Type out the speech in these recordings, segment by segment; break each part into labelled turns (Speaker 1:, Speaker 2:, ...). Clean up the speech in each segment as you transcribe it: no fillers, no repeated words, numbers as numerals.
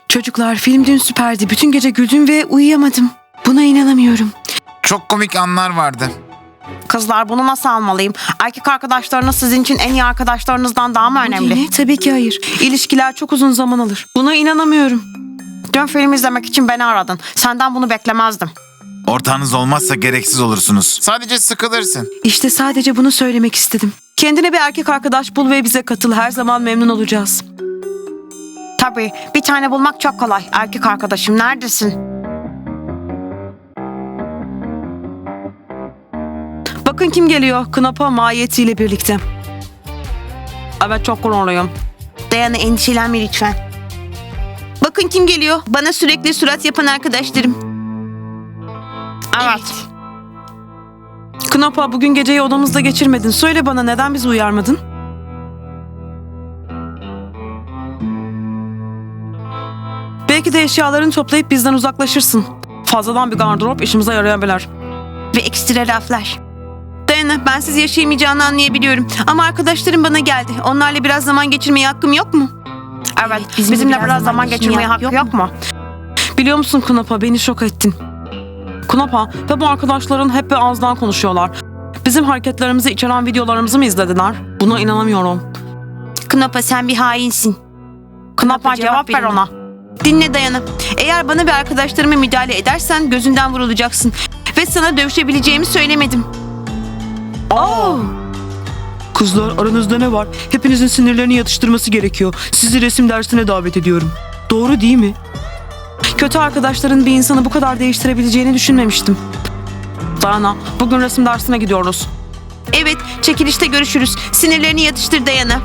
Speaker 1: Çocuklar, film dün süperdi. Bütün gece güldüm ve uyuyamadım. Buna inanamıyorum.
Speaker 2: Çok komik anlar vardı.
Speaker 3: Kızlar bunu nasıl almalıyım? Erkek arkadaşlarınız sizin için en iyi arkadaşlarınızdan daha mı önemli?
Speaker 1: Ne? Tabii ki hayır. İlişkiler çok uzun zaman alır. Buna inanamıyorum.
Speaker 3: Dün film izlemek için beni aradın. Senden bunu beklemezdim.
Speaker 2: Ortağınız olmazsa gereksiz olursunuz. Sadece sıkılırsın.
Speaker 1: İşte sadece bunu söylemek istedim. Kendine bir erkek arkadaş bul ve bize katıl. Her zaman memnun olacağız.
Speaker 3: Tabii bir tane bulmak çok kolay. Erkek arkadaşım neredesin?
Speaker 1: Bakın kim geliyor. Knapa mahiyetiyle birlikte. Evet, çok gururluyum.
Speaker 3: Dayana endişelenme lütfen. Bakın kim geliyor. Bana sürekli surat yapan arkadaşlarım. Evet.
Speaker 1: Knapa, bugün geceyi odamızda geçirmedin. Söyle bana, neden bizi uyarmadın? Belki de eşyalarını toplayıp bizden uzaklaşırsın. Fazladan bir gardırop işimize yarayabilir.
Speaker 3: Ve ekstra laflar. Dayana, bensiz yaşayamayacağını anlayabiliyorum. Ama arkadaşlarım bana geldi. Onlarla biraz zaman geçirmeye hakkım yok mu? Evet, bizimle biraz zaman geçirmeye hakkı yok mu?
Speaker 1: Biliyor musun Knapa, beni şok ettin. Knapa ve bu arkadaşların hep bir ağızdan konuşuyorlar. Bizim hareketlerimizi içeren videolarımızı mı izlediler? Buna inanamıyorum.
Speaker 3: Knapa, sen bir hainsin. Knapa, cevap ver ona. Dinle Dayana. Eğer bana ve arkadaşlarıma müdahale edersen gözünden vurulacaksın. Ve sana dövüşebileceğimi söylemedim.
Speaker 1: Kızlar, aranızda ne var? Hepinizin sinirlerini yatıştırması gerekiyor. Sizi resim dersine davet ediyorum. Doğru değil mi? Kötü arkadaşların bir insanı bu kadar değiştirebileceğini düşünmemiştim. Dayana, bugün resim dersine gidiyoruz.
Speaker 3: Evet, çekilişte görüşürüz. Sinirlerini yatıştır Dayana.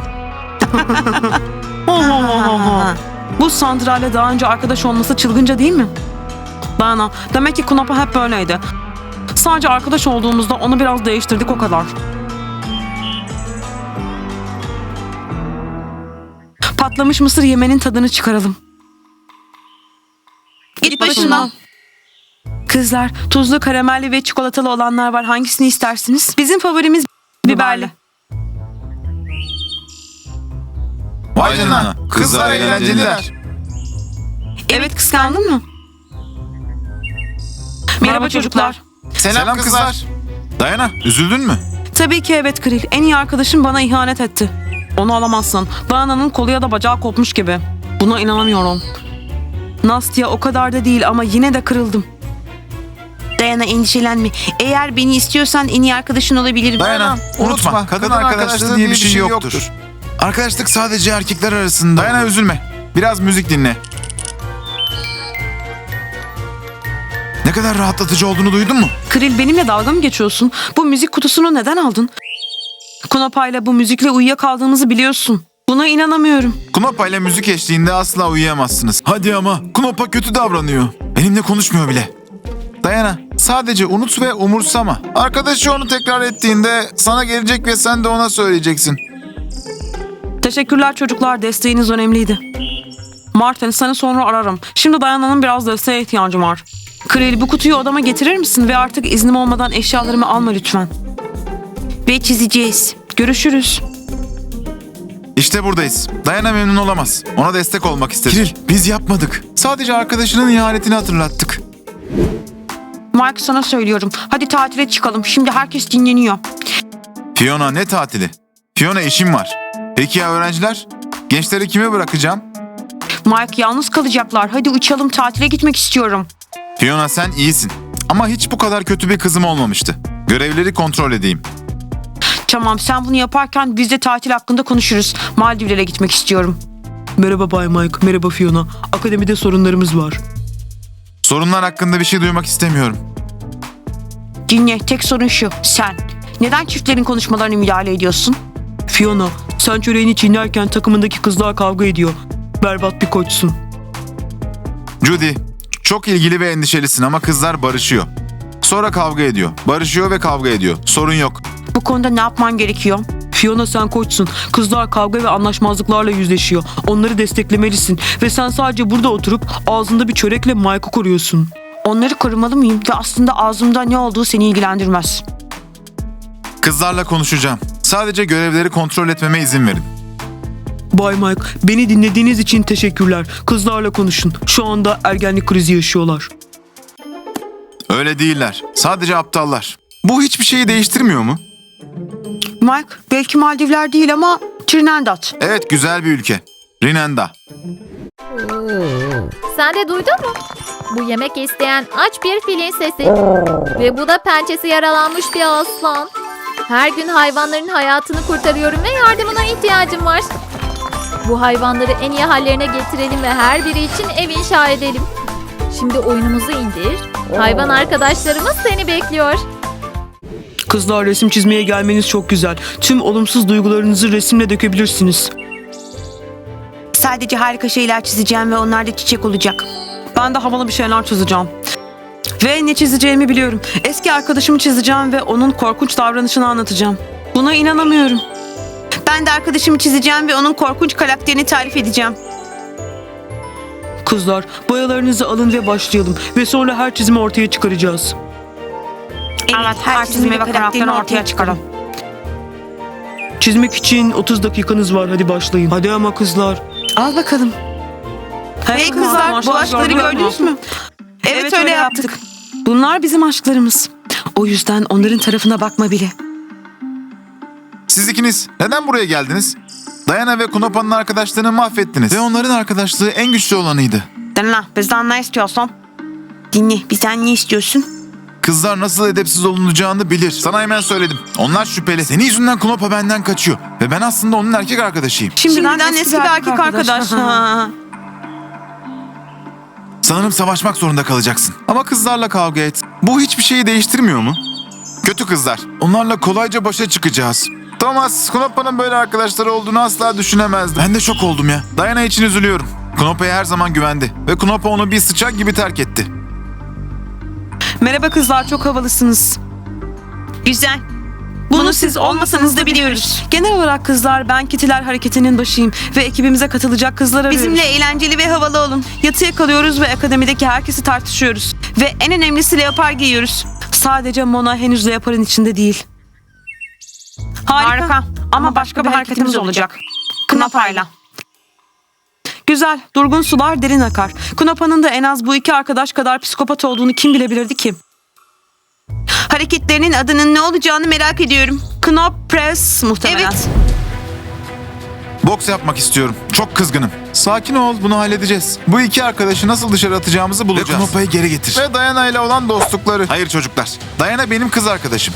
Speaker 1: Bu Sandra'yla daha önce arkadaş olması çılgınca değil mi? Dayana, demek ki Knapa hep böyleydi. Sadece arkadaş olduğumuzda onu biraz değiştirdik, o kadar. Patlamış mısır yemenin tadını çıkaralım.
Speaker 3: Git başımdan.
Speaker 1: Kızlar, tuzlu, karamelli ve çikolatalı olanlar var. Hangisini istersiniz? Bizim favorimiz biberli.
Speaker 2: Vay canına. Kızlar eğlenceliler.
Speaker 1: Evet, kıskandın mı? Merhaba çocuklar.
Speaker 2: Selam kızlar. Dayana, üzüldün mü?
Speaker 1: Tabii ki evet Kril. En iyi arkadaşım bana ihanet etti. Onu alamazsın. Dayana'nın kolu ya da bacağı kopmuş gibi. Buna inanamıyorum. Nastya o kadar da değil ama yine de kırıldım.
Speaker 3: Dayana, endişelenme. Eğer beni istiyorsan en iyi arkadaşın olabilirim.
Speaker 2: Dayana, unutma. Kadın arkadaşlığı diye bir şey yoktur. Arkadaşlık sadece erkekler arasında. Dayana, üzülme. Biraz müzik dinle. Ne kadar rahatlatıcı olduğunu duydun mu?
Speaker 1: Kril, benimle dalga mı geçiyorsun? Bu müzik kutusunu neden aldın? Kunapa'yla bu müzikle uyuyakaldığımızı biliyorsun. Buna inanamıyorum.
Speaker 2: Knopa ile müzik eşliğinde asla uyuyamazsınız. Hadi ama, Knopa kötü davranıyor. Benimle konuşmuyor bile. Dayana, sadece unut ve umursama. Arkadaşı onu tekrar ettiğinde sana gelecek ve sen de ona söyleyeceksin.
Speaker 1: Teşekkürler çocuklar, desteğiniz önemliydi. Martin, seni sonra ararım. Şimdi Dayana'nın biraz desteğe ihtiyacım var. Kril, bu kutuyu odama getirir misin ve artık iznim olmadan eşyalarımı alma lütfen.
Speaker 3: Ve çizeceğiz.
Speaker 1: Görüşürüz.
Speaker 2: İşte buradayız. Dayana memnun olamaz. Ona destek olmak istedik. Kiril, biz yapmadık. Sadece arkadaşının ihanetini hatırlattık.
Speaker 3: Mike, sana söylüyorum. Hadi tatile çıkalım. Şimdi herkes dinleniyor.
Speaker 2: Fiona, ne tatili? Fiona, işim var. Peki ya öğrenciler? Gençleri kime bırakacağım?
Speaker 3: Mike, yalnız kalacaklar. Hadi uçalım, tatile gitmek istiyorum.
Speaker 2: Fiona, sen iyisin. Ama hiç bu kadar kötü bir kızım olmamıştı. Görevleri kontrol edeyim.
Speaker 3: Tamam, sen bunu yaparken biz de tatil hakkında konuşuruz. Maldivlere gitmek istiyorum.
Speaker 1: Merhaba Bay Mike, merhaba Fiona. Akademide sorunlarımız var.
Speaker 2: Sorunlar hakkında bir şey duymak istemiyorum.
Speaker 3: Dinle, tek sorun şu. Sen. Neden çiftlerin konuşmalarına müdahale ediyorsun?
Speaker 1: Fiona, sen çöreğini çiğnerken takımındaki kızlar kavga ediyor. Berbat bir koçsun.
Speaker 2: Judy, çok ilgili ve endişelisin ama kızlar barışıyor. Sonra kavga ediyor. Barışıyor ve kavga ediyor. Sorun yok.
Speaker 3: Bu konuda ne yapman gerekiyor?
Speaker 1: Fiona, sen koçsun. Kızlar kavga ve anlaşmazlıklarla yüzleşiyor. Onları desteklemelisin. Ve sen sadece burada oturup ağzında bir çörekle Mike'ı koruyorsun.
Speaker 3: Onları korumalı mıyım ve aslında ağzımda ne olduğu seni ilgilendirmez.
Speaker 2: Kızlarla konuşacağım. Sadece görevleri kontrol etmeme izin verin.
Speaker 1: Bay Mike, beni dinlediğiniz için teşekkürler. Kızlarla konuşun. Şu anda ergenlik krizi yaşıyorlar.
Speaker 2: Öyle değiller. Sadece aptallar. Bu hiçbir şeyi değiştirmiyor mu?
Speaker 3: Mike, belki Maldivler değil ama Trinidad.
Speaker 2: Evet, güzel bir ülke. Rinenda.
Speaker 4: Sen de duydun mu? Bu yemek isteyen aç bir filin sesi. Ve bu da pençesi yaralanmış bir aslan. Her gün hayvanların hayatını kurtarıyorum ve yardımına ihtiyacım var. Bu hayvanları en iyi hallerine getirelim ve her biri için ev inşa edelim. Şimdi oyunumuzu indir. Hayvan arkadaşlarımız seni bekliyor.
Speaker 1: Kızlar, resim çizmeye gelmeniz çok güzel. Tüm olumsuz duygularınızı resimle dökebilirsiniz.
Speaker 3: Sadece harika şeyler çizeceğim ve onlar da çiçek olacak.
Speaker 1: Ben de havalı bir şeyler çizeceğim. Ve ne çizeceğimi biliyorum. Eski arkadaşımı çizeceğim ve onun korkunç davranışını anlatacağım. Buna inanamıyorum.
Speaker 3: Ben de arkadaşımı çizeceğim ve onun korkunç karakterini tarif edeceğim.
Speaker 1: Kızlar, boyalarınızı alın ve başlayalım. Ve sonra her çizimi ortaya çıkaracağız.
Speaker 3: Evet, her çizimi ve karakterini ortaya çıkaralım.
Speaker 1: Çizmek için 30 dakikanız var. Hadi başlayın. Hadi ama kızlar.
Speaker 3: Al bakalım. Hey kızlar, bu aşkları gördünüz mü? Evet, öyle yaptık. Bunlar bizim aşklarımız. O yüzden onların tarafına bakma bile.
Speaker 2: Siz ikiniz neden buraya geldiniz? Diana ve Kunopa'nın arkadaşlığını mahvettiniz. Ve onların arkadaşlığı en güçlü olanıydı.
Speaker 3: Dinle, bizden ne istiyorsun? Dinle, bizden ne istiyorsun?
Speaker 2: Kızlar nasıl edepsiz olunacağını bilir. Sana hemen söyledim. Onlar şüpheli. Senin yüzünden Kunopa benden kaçıyor. Ve ben aslında onun erkek arkadaşıyım.
Speaker 3: Şimdiden eski bir erkek arkadaş. Ha.
Speaker 2: Sanırım savaşmak zorunda kalacaksın. Ama kızlarla kavga et. Bu hiçbir şeyi değiştirmiyor mu? Kötü kızlar. Onlarla kolayca başa çıkacağız. Thomas, Kunopa'nın böyle arkadaşları olduğunu asla düşünemezdim. Ben de şok oldum ya. Diana için üzülüyorum. Kunopa'ya her zaman güvendi. Ve Kunopa onu bir sıçak gibi terk etti.
Speaker 1: Merhaba kızlar, çok havalısınız.
Speaker 3: Güzel. Bunu siz olmasanız da biliyoruz.
Speaker 1: Genel olarak kızlar, ben Kitiler Hareketi'nin başıyım ve ekibimize katılacak kızlar arıyoruz.
Speaker 3: Bizimle eğlenceli ve havalı olun.
Speaker 1: yatıya kalıyoruz ve akademideki herkesi tartışıyoruz.
Speaker 3: Ve en önemlisi leopar giyiyoruz.
Speaker 1: Sadece Mona henüz Leopar'ın içinde değil.
Speaker 3: Harika. Ama başka bir hareketimiz olacak. Knopa'yla.
Speaker 1: Güzel, durgun sular derin akar. Kunopa'nın da en az bu iki arkadaş kadar psikopat olduğunu kim bilebilirdi ki?
Speaker 3: Hareketlerinin adının ne olacağını merak ediyorum.
Speaker 1: Knop Press muhtemelen.
Speaker 3: Evet.
Speaker 2: Boks yapmak istiyorum. Çok kızgınım. Sakin ol, bunu halledeceğiz. Bu iki arkadaşı nasıl dışarı atacağımızı bulacağız. Ve Kunopa'yı geri getir. Ve Diana ile olan dostlukları. Hayır çocuklar. Diana benim kız arkadaşım.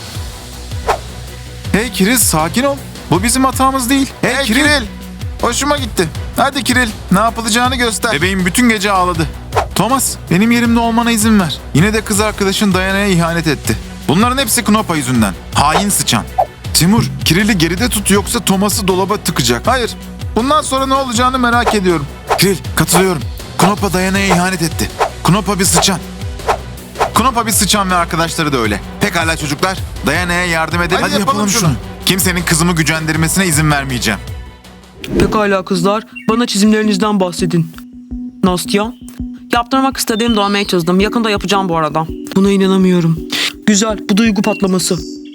Speaker 2: Hey Kiril, sakin ol. Bu bizim hatamız değil. Hey Kiril. Hoşuma gitti. Hadi Kiril, ne yapılacağını göster. Bebeğim bütün gece ağladı. Thomas, benim yerimde olmana izin ver. Yine de kız arkadaşın Diana'ya ihanet etti. Bunların hepsi Knopa yüzünden. Hain sıçan. Timur, Kiril'i geride tut yoksa Thomas'ı dolaba tıkacak. Hayır, bundan sonra ne olacağını merak ediyorum. Kiril, katılıyorum. Knopa Diana'ya ihanet etti. Knopa bir sıçan. Knopa bir sıçan ve arkadaşları da öyle. Pekala çocuklar, Diana'ya yardım edelim. Hadi yapalım şunu. Kimsenin kızımı gücendirmesine izin vermeyeceğim.
Speaker 1: Pekala kızlar, bana çizimlerinizden bahsedin. Nastya? Yaptırmak istediğim dövmeyi çizdim. Yakında yapacağım bu arada. Buna inanamıyorum. Güzel, bu duygu patlaması.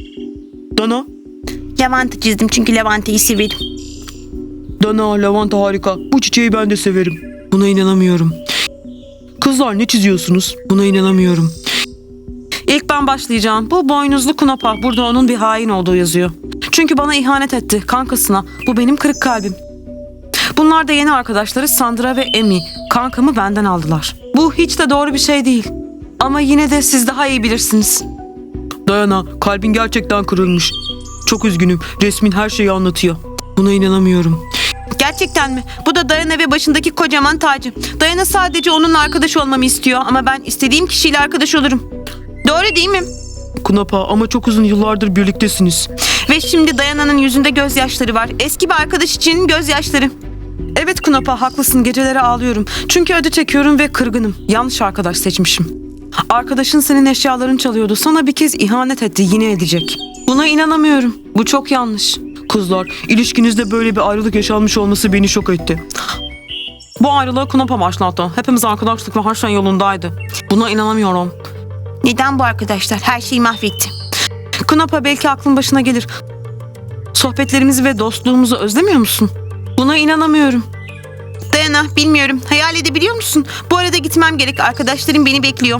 Speaker 1: Dana?
Speaker 3: Levante çizdim çünkü Levante'yi severim.
Speaker 1: Dana, lavanta harika. Bu çiçeği ben de severim. Buna inanamıyorum. Kızlar ne çiziyorsunuz? Buna inanamıyorum. İlk ben başlayacağım. Bu boynuzlu Knopa. Burada onun bir hain olduğu yazıyor. Çünkü bana ihanet etti. Kankasına. Bu benim kırık kalbim. Bunlar da yeni arkadaşları Sandra ve Amy. Kankamı benden aldılar. Bu hiç de doğru bir şey değil. Ama yine de siz daha iyi bilirsiniz. Dayana, kalbin gerçekten kırılmış. Çok üzgünüm. Resmin her şeyi anlatıyor. Buna inanamıyorum.
Speaker 3: Gerçekten mi? Bu da Diana ve başındaki kocaman tacı. Diana sadece onunla arkadaş olmamı istiyor ama ben istediğim kişiyle arkadaş olurum. Doğru değil mi?
Speaker 1: Kunapa, ama çok uzun yıllardır birliktesiniz.
Speaker 3: Ve şimdi Diana'nın yüzünde gözyaşları var. Eski bir arkadaş için gözyaşları.
Speaker 1: Evet Kunapa, haklısın, geceleri ağlıyorum. Çünkü acı çekiyorum ve kırgınım. Yanlış arkadaş seçmişim. Arkadaşın senin eşyalarını çalıyordu. Sana bir kez ihanet etti, yine edecek. Buna inanamıyorum. Bu çok yanlış. Kızlar, ilişkinizde böyle bir ayrılık yaşanmış olması beni şok etti. Bu ayrılığı Kunapa başlattı. Hepimiz arkadaşlık ve her şey yolundaydı. Buna inanamıyorum.
Speaker 3: Neden bu arkadaşlar? Her şeyi mahvetti.
Speaker 1: Kunapa, belki aklın başına gelir. Sohbetlerimizi ve dostluğumuzu özlemiyor musun? Buna inanamıyorum.
Speaker 3: Dayana, bilmiyorum. Hayal edebiliyor musun? Bu arada gitmem gerek. Arkadaşlarım beni bekliyor.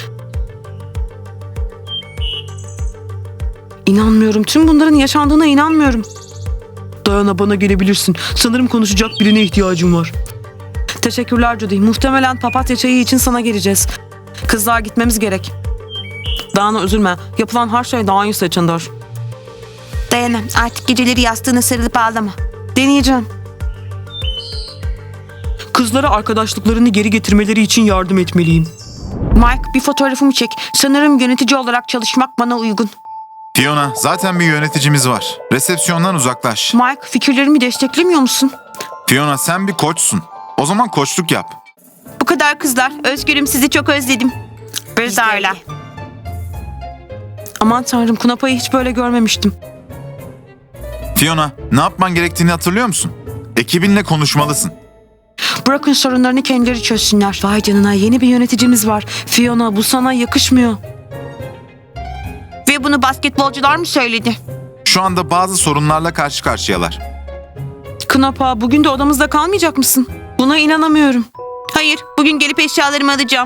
Speaker 1: İnanmıyorum. Tüm bunların yaşandığına inanmıyorum. Dayana, bana gelebilirsin. Sanırım konuşacak birine ihtiyacım var. Teşekkürler Judy. Muhtemelen papatya çayı için sana geleceğiz. Kızlar, gitmemiz gerek. Dayana, üzülme. Yapılan her şey daha iyi seçendir.
Speaker 3: Dayana, artık geceleri yastığına sarılıp ağlama.
Speaker 1: Deneyeceğim. Kızlara arkadaşlıklarını geri getirmeleri için yardım etmeliyim.
Speaker 3: Mike, bir fotoğrafımı çek. Sanırım yönetici olarak çalışmak bana uygun.
Speaker 2: Fiona, zaten bir yöneticimiz var. Resepsiyondan uzaklaş.
Speaker 3: Mike, fikirlerimi desteklemiyor musun?
Speaker 2: Fiona, sen bir koçsun. O zaman koçluk yap.
Speaker 3: Bu kadar kızlar. Özgürüm, sizi çok özledim. Biz de öyle.
Speaker 1: Aman tanrım, Kunapa'yı hiç böyle görmemiştim.
Speaker 2: Fiona, ne yapman gerektiğini hatırlıyor musun? Ekibinle konuşmalısın.
Speaker 1: Bırakın sorunlarını kendileri çözsünler. Vay canına, yeni bir yöneticimiz var. Fiona, bu sana yakışmıyor.
Speaker 3: Ve bunu basketbolcular mı söyledi?
Speaker 2: Şu anda bazı sorunlarla karşı karşıyalar.
Speaker 1: Kunapa, bugün de odamızda kalmayacak mısın? Buna inanamıyorum.
Speaker 3: Hayır, bugün gelip eşyalarımı alacağım.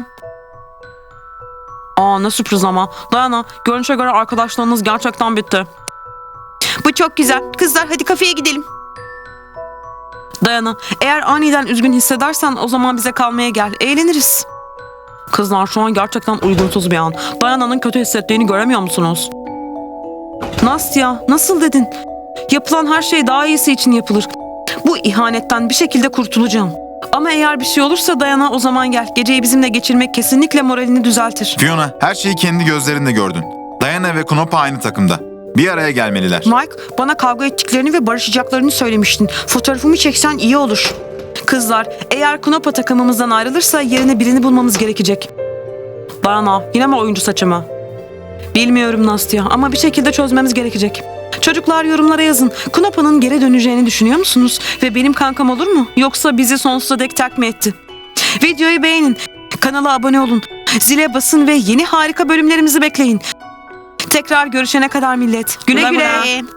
Speaker 1: Aa, ne sürpriz ama. Dayana, görünüşe göre arkadaşlarınız gerçekten bitti.
Speaker 3: Bu çok güzel. Kızlar, hadi kafeye gidelim.
Speaker 1: Dayana, eğer aniden üzgün hissedersen o zaman bize kalmaya gel. Eğleniriz. Kızlar, şu an gerçekten uygunsuz bir an. Dayana'nın kötü hissettiğini göremiyor musunuz? Nastya, nasıl dedin? Yapılan her şey daha iyisi için yapılır. Bu ihanetten bir şekilde kurtulacağım. Ama eğer bir şey olursa Dayana, o zaman gel. Geceyi bizimle geçirmek kesinlikle moralini düzeltir.
Speaker 2: Fiona, her şeyi kendi gözlerinle gördün. Diana ve Knopa aynı takımda. Bir araya gelmeliler.
Speaker 1: Mike, bana kavga ettiklerini ve barışacaklarını söylemiştin. Fotoğrafımı çeksen iyi olur. Kızlar, eğer Knopa takımımızdan ayrılırsa yerine birini bulmamız gerekecek. Dayana, yine mi oyuncu saçımı? Bilmiyorum Nastya ama bir şekilde çözmemiz gerekecek. Çocuklar, yorumlara yazın. Knopa'nın geri döneceğini düşünüyor musunuz? Ve benim kankam olur mu? Yoksa bizi sonsuza dek terk mi etti? Videoyu beğenin. Kanala abone olun. Zile basın ve yeni harika bölümlerimizi bekleyin. Tekrar görüşene kadar millet. Güle güle.
Speaker 3: Güle.